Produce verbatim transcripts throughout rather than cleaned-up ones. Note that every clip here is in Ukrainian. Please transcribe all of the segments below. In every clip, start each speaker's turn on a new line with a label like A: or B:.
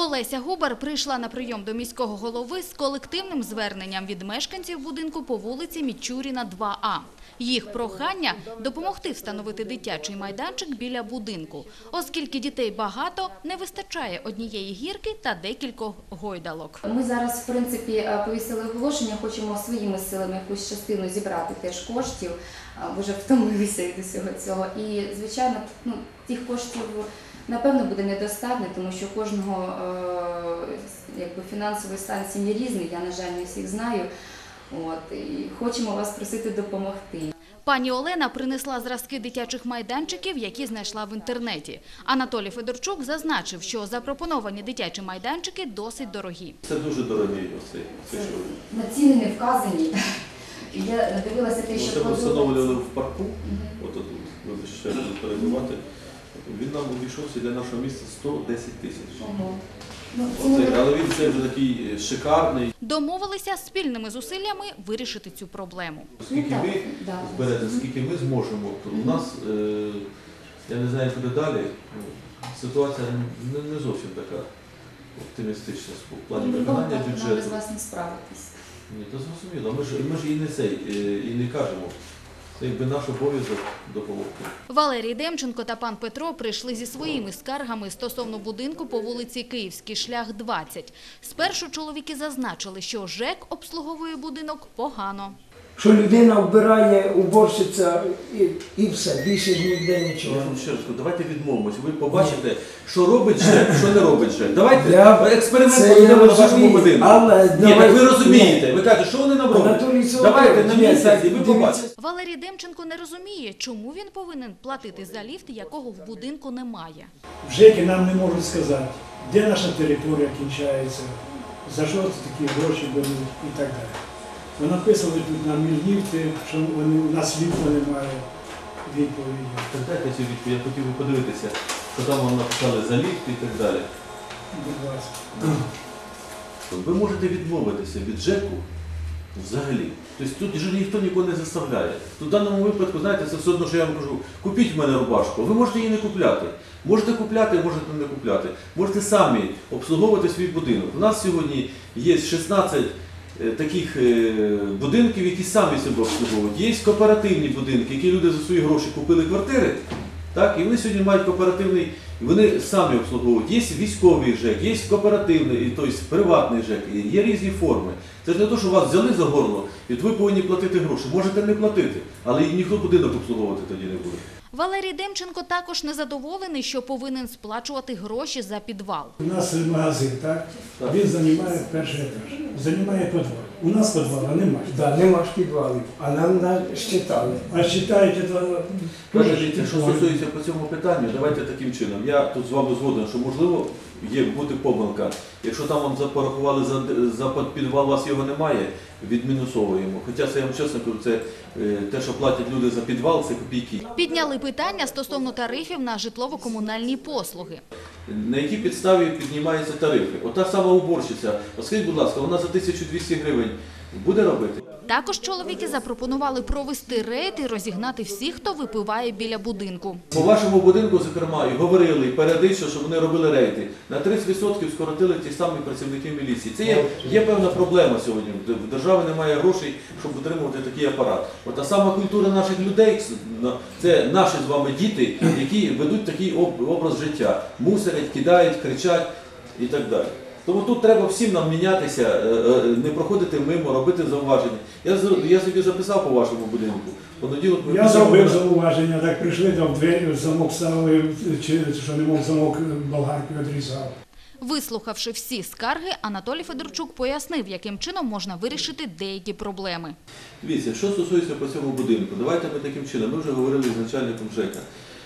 A: Олеся Губар прийшла на прийом до міського голови з колективним зверненням від мешканців будинку по вулиці Мічуріна, два А. Їх прохання – допомогти встановити дитячий майданчик біля будинку. Оскільки дітей багато, не вистачає однієї гірки та декількох гойдалок.
B: Ми зараз, в принципі, повісили оголошення, хочемо своїми силами якусь частину зібрати теж коштів, бо вже втомилися від усього цього. І, звичайно, ну, тих коштів, напевно, буде недостатньо, тому що кожного е, якби, фінансовий стан сім'ї різний, я, на жаль, не всіх знаю. От, і хочемо вас просити допомогти.
A: Пані Олена принесла зразки дитячих майданчиків, які знайшла в інтернеті. Анатолій Федорчук зазначив, що запропоновані дитячі майданчики досить дорогі.
C: Це дуже дорогі оці.
B: На ціни не вказані. Я дивилася те, що
C: це ми встановлювали в парку, от тут, вибачте, ще буду перебувати. Він нам обійшовся для нашого міста сто десять тисяч. Ого. Ну, Оце, але він це вже такий шикарний.
A: Домовилися спільними зусиллями вирішити цю проблему.
C: Скільки ви зберете, скільки ми зможемо, то у нас, е, я не знаю, куди далі, ситуація не, не зовсім така оптимістична в плані виконання бюджету.
B: Нам без вас не справитись.
C: Ні, то зрозуміло. Ми ж, ми ж і не цей, і не кажемо. Це якби наш обов'язок допомогти.
A: Валерій Демченко та пан Петро прийшли зі своїми скаргами стосовно будинку по вулиці Київський шлях, двадцять. Спершу чоловіки зазначили, що ЖЕК обслуговує будинок погано.
D: Що людина вбирає, уборщиця і, і все, більше ніде нічого.
C: Я вам ще раз кажу, давайте відмовимося. Ви побачите, що робить ЖЕК, що не робить ЖЕК. Давайте
D: Я...
C: експеримент проведемо на вашому будинку.
D: Але...
C: Ні, так ви розумієте. Ви кажете, що вони нам роблять? Давайте на місці, ви побачите.
A: Валерій Демченко не розуміє, чому він повинен платити за ліфт, якого в будинку немає.
E: В ЖЕКі нам не можуть сказати, де наша територія кінчається, за що такі гроші беруть і так далі. Ви написали тут на ліфти, що вони, у нас ліфта немає відповіді.
C: Так дайте цю відповідь, я хотів би подивитися, що там вони написали за ліфт і так далі.
E: Будь ласка.
C: Ви можете відмовитися від ЖЕКу взагалі. Тобто тут вже ніхто нікого не заставляє. В даному випадку, знаєте, це все одно, що я вам кажу, купіть в мене рубашку. Ви можете її не купляти. Можете купляти, можете не купляти. Можете самі обслуговувати свій будинок. У нас сьогодні є шістнадцять таких будинків, які самі себе обслуговують. Є кооперативні будинки, які люди за свої гроші купили квартири, так, і вони сьогодні мають кооперативний, і вони самі обслуговують. Є військовий ЖЕК, є кооперативний, тобто приватний ЖЕК, є різні форми. Це ж не те, що вас взяли за горло, і ви повинні платити гроші. Можете не платити, але і ніхто будинок обслуговувати тоді не буде.
A: Валерій Демченко також незадоволений, що повинен сплачувати гроші за підвал.
E: У нас магазин, так? так. Він займає перший етаж, займає підвал. У нас підвала немає.
D: Так, нема ж підвалів, а нам щитали.
E: А считаєте, то...
C: Кажете, що стосується по цьому питанню, давайте таким чином. Я тут з вами згоден, що можливо є бути помилка. Якщо там вам порахували за, за підвал, у вас його немає, відмінусовуємо. Хоча це, я вам чесно кажу, це те, що платять люди за підвал, це копійки.
A: Підняли питання стосовно тарифів на житлово-комунальні послуги.
C: На якій підставі піднімаються тарифи? Ота сама уборщиця, скажіть, будь ласка, вона за тисячу двісті гривень буде робити?
A: Також чоловіки запропонували провести рейд і розігнати всіх, хто випиває біля будинку.
C: По вашому будинку, зокрема, і говорили, і періодично, що вони робили рейди. На тридцять відсотків скоротили ті самі працівники міліції. Це є, є певна проблема сьогодні. В державі немає грошей, щоб утримувати такий апарат. От та сама культура наших людей, це наші з вами діти, які ведуть такий образ життя. Мусорять, кидають, кричать і так далі. Тому тут треба всім нам мінятися, не проходити мимо, робити зауваження. Я, я собі записав по вашому будинку. Понеділок ми
E: я зробив зауваження, так прийшли, там в двері замок ставили, чи що не мог замок болгаркою відрізав.
A: Вислухавши всі скарги, Анатолій Федорчук пояснив, яким чином можна вирішити деякі проблеми.
C: Дивіться, що стосується по цьому будинку, давайте ми таким чином, ми вже говорили з начальником ЖЕКа.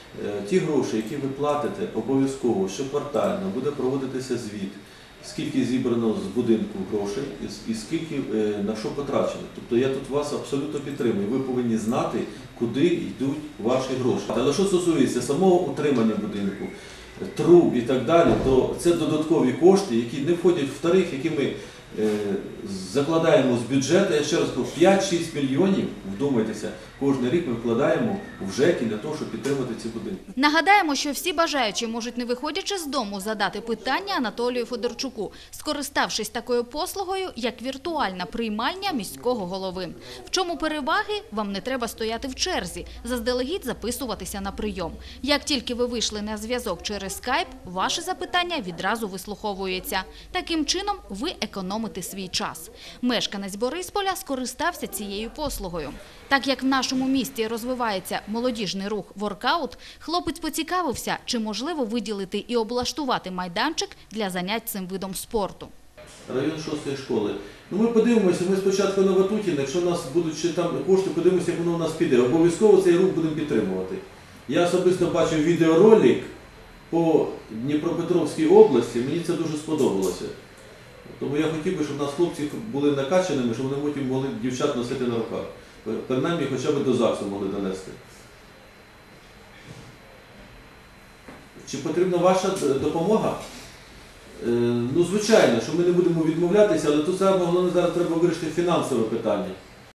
C: Ті гроші, які ви платите, обов'язково, щоквартально буде проводитися звіт, скільки зібрано з будинку грошей і скільки на що потрачено. Тобто я тут вас абсолютно підтримую. Ви повинні знати, куди йдуть ваші гроші. Але що стосується самого утримання будинку, труб і так далі, то це додаткові кошти, які не входять в тариф, які ми е, закладаємо з бюджету, я ще раз кажу, п'ять-шість мільйонів, вдумайтеся, кожен рік ми вкладаємо в ЖЕКи для того, щоб підтримати ці будинки.
A: Нагадаємо, що всі бажаючі можуть, не виходячи з дому, задати питання Анатолію Федорчуку, скориставшись такою послугою, як віртуальна приймальня міського голови. В чому переваги? Вам не треба стояти в черзі, заздалегідь записуватися на прийом. Як тільки ви вийшли на зв'язок через скайп, ваше запитання відразу вислуховується. Таким чином ви економите свій час. Мешканець Борисполя скористався цією послугою. Так як в нашому місті розвивається молодіжний рух воркаут, хлопець поцікавився, чи можливо виділити і облаштувати майданчик для занять цим видом спорту.
C: Район шостої школи. Ну ми подивимося, ми спочатку на Ватутіна, якщо у нас будуть ще там кошти, подивимося, як воно у нас піде. Обов'язково цей рух будемо підтримувати. Я особисто бачив відеоролик по Дніпропетровській області, мені це дуже сподобалося. Тому я хотів би, щоб у нас хлопці були накачаними, щоб вони потім могли дівчат носити на руках. Принаймні, хоча б до ЗАГСу могли донести. Чи потрібна ваша допомога? Е, ну, звичайно, що ми не будемо відмовлятися, але тут саме головне зараз треба вирішити фінансове питання.